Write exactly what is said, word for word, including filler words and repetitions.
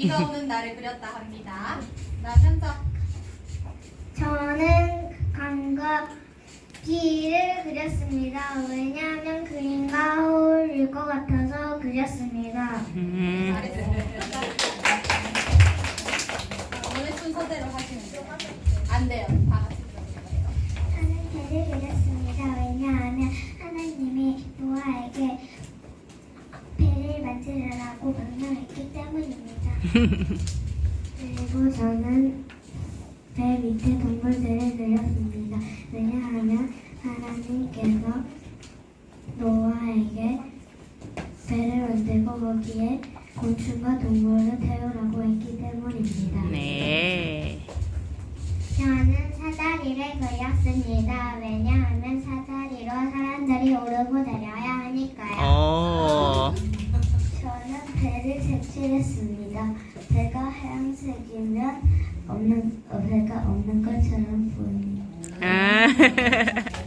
비가 오는 날을 그렸다 합니다. 나 현석. 저는 강과 비를 그렸습니다. 왜냐하면 그림과 어울릴 것 같아서 그렸습니다. 음. 오늘 순서대로 하시면 돼요. 안 돼요. 다 같이 그려주세요. 저는 배를 그렸습니다. 왜냐하면 하나님이 노아에게 배를 만들으라고 명령했기 때문입니다. 그리고 저는 배 밑에 동물들을 그렸습니다. 왜냐하면 하나님께서 노아에게 배를 만들고 거기에 곤충과 동물을 태우라고 했기 때문입니다. 네. 저는 사다리를 그렸습니다. 왜냐하면 사다리로 사람들이 오르고 내려야 하니까요. 어. 저는 배를 색칠했습니다. 배가 하얀색이면 없는 어, 배가 없는 것처럼 보입니다. 아.